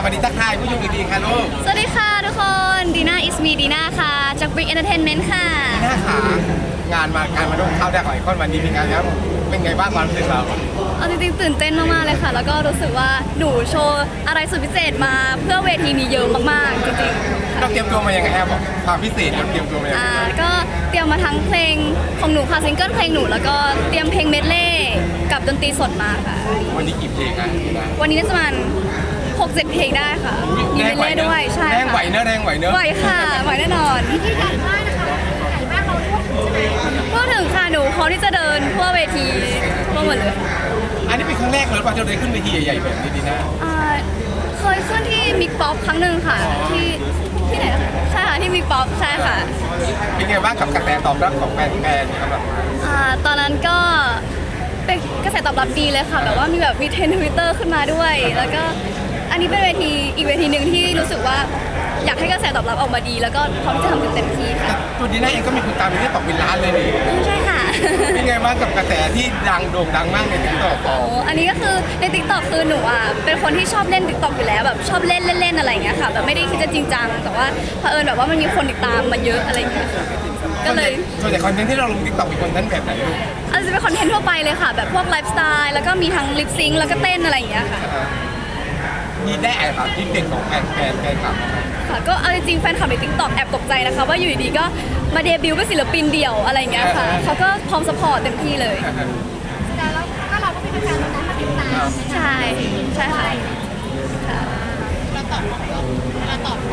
วัสดีทักทายผู้ชมอีกทีค่ะลูกสวัสดีค่ะทุกคนดีน่าอิสมีดีน่าค่ะจาก Brick Entertainment ค่ะหน้าขางานมาการมาดูเข้าได้ของไอคอนวันนี้เป็นไงครับเป็นไงบ้างความรู้สึกเราเอาจริงๆตื่นเต้นมากๆเลยค่ะ แล้วก็รู้สึกว่าหนูโชว์อะไรสุดพิเศษมาเพื่อเวทีนี้เยอะมากๆจริงๆเราเตรียมตัวมายังไงครับบอกความพิเศษเราเตรียมตัวมายังไงก็เตรียมมาทั้งเพลงของหนูค่ะซิงเกิลเพลงหนูแล้วก็เตรียมเพลงเมดเล่กับดนตรีสดมาค่ะวันนี้กี่เพลงครับวันนี้น่าจะประมาณ6-7 เพลงได้ค่ะมีเมดเล่ด้วยใช่แรงไหวเนอะแรงไหวเนอะไหวค่ะไหวแน่นอนที่ใหญ่มากนะคะใหญ่มากเราทั่วถึงใช่ไหมพูดถึงค่ะหนูพร้อมที่จะเดินทั่วเวทีทั่วหมดเลยอันนี้เป็นครั้งแรกเลยป่ะที่เราได้ขึ้นเวทีใหญ่ๆแบบนี้ดีนะเคยขึ้นที่มิกป๊อปครั้งหนึ่งค่ะที่ไหนนะคะใช่ค่ะที่มิกป๊อปใช่ค่ะเป็นไงบ้างกับกระแสตอบรับของแฟนๆครับตอนนั้นก็เป็นกระแสตอบรับดีเลยค่ะแบบว่ามีเทรนด์ Twitter ขึ้นมาด้วยแล้วก็อันนี้เป็นเวทีอีกเวทีหนึ่งที่รู้สึกว่าอยากให้กระแสตอบรับออกมาดีแล้วก็พร้อมที่จะทำเต็มที่ค่ะตัวดีน่าเองก็มีคนตามไปที่ตกเป็นล้านเลยนี่ใช่ค่ะเป็นไงบ้างกับกระแสที่โด่งดังมากในติ๊กต็อกอันนี้ก็คือในติ๊กต็อกคือหนูเป็นคนที่ชอบเล่นติ๊กต็อกอยู่แล้วแบบชอบเล่นอะไรอย่างเงี้ยค่ะแบบไม่ได้คิดจะจริงจังแต่ว่าเผอิญแบบว่ามันมีคนติดตามมาเยอะอะไรอย่างเงี้ยก็เลยส่วนใหญ่คอนเทนต์ที่เราลงติ๊กต็อกเป็นคอนเทนต์แบบไหนลูกอาจจะเป็นคอนเทนต์ทั่วไปเลยค่ะแบบพวกไลฟ์สไตล์แล้วก็มีทั้งลิปซิงค์แล้วก็เต้นอะไรอย่างเงี้ยค่ะมีได้แอบแบบที่เด็กของแฟนคลับค่ะก็เอาจริงๆแฟนคลับในติ๊กต็อกแอบตกใจนะคะว่าอยู่ดีๆก็มาเดบิวต์เป็นศิลปินเดี่ยวอะไรอย่างเงี้ยค่ะเขาก็พร้อมซัพพอร์ตเต็มที่เลยแต่แล้วก็เราก็มีแฟนๆนั้นมาติดตามใช่ค่ะเราตอบขอ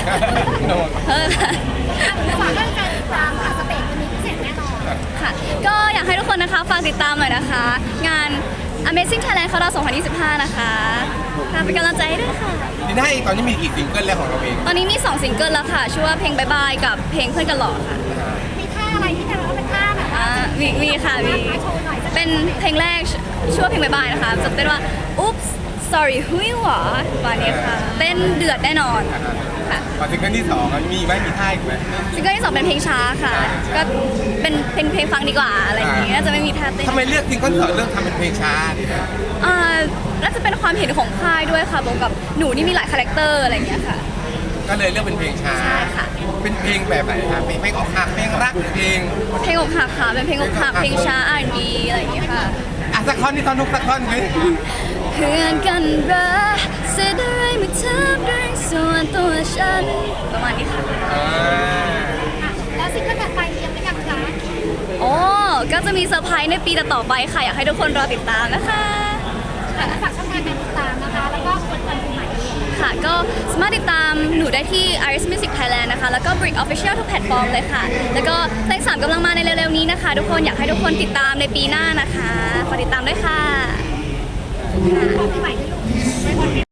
ฝากเรื่องการติดตามค่ะสเตจจะมีพิเศษแน่นอนค่ะก็อยากให้ทุกคนนะคะฝากติดตามหน่อยนะคะงาน Amazing Thailand Countdown 2025 นะคะเป็นกำลังใจให้ด้วยค่ะดีน่าเองตอนนี้มีกี่ซิงเกิลแล้วของเราเองตอนนี้มี2ซิงเกิลแล้วค่ะชื่อว่าเพลงบายบายกับเพลงเพื่อนกันหล่อค่ะมีท่าอะไรที่จะร้องเป็นท่าแบบมีค่ะเป็นเพลงแรกชื่อว่าเพลงบายบายนะคะจะเต้นว่า Oops Sorry หุยหวาวันนี้ค่ะเต้นเดือดแน่นอนค่ะซิงเกิลที่2มีไหมมีท่าอีกไหมซิงเกิลที่2เป็นเพลงช้าค่ะก็เป็นเพลงฟังดีกว่าอะไรอย่างเงี้ยจะไม่มีท่าเต้นทำไมเลือกซิงเกิล2เลือกทำเป็นเพลงช้าดีนะน่าจะเป็นความเห็นของค่ายด้วยค่ะบวกกับหนูนี่มีหลายคาแรคเตอร์อะไรอย่างเงี้ยค่ะก็เลยเลือกเป็นเพลงช้าใช่ค่ะเป็นเพลงแบบไหนคะเพลงอกหักเพลงรักเพลงอกหักค่ะเป็นเพลงอกหักเพลงช้า R&B อะไรอย่างเงี้ยค่ะสักท่อนนี่ท่อนทุกสักท่อนเลยเพื่อนกันรักเสียดายไม่ทำเรื่องส่วนตัวฉันประมาณนี้ค่ะแล้วซิงเกิลต่อไปเตรียมหรือยังคะก็จะมีเซอร์ไพรส์ในปีต่อไปค่ะอยากให้ทุกคนรอติดตามนะคะฝากช่องทางการติดตามนะคะแล้วก็คนคนใหม่ค่ะก็สามารถติดตามหนูได้ที่ Iris Music Thailand นะคะแล้วก็ Brick Official ทุกแพลตฟอร์มเลยค่ะแล้วก็เพลง3กำลังมาในเร็วๆนี้นะคะทุกคนอยากให้ทุกคนติดตามในปีหน้านะคะฝากติดตามด้วยค่ะปีใหม่ด้วยลูก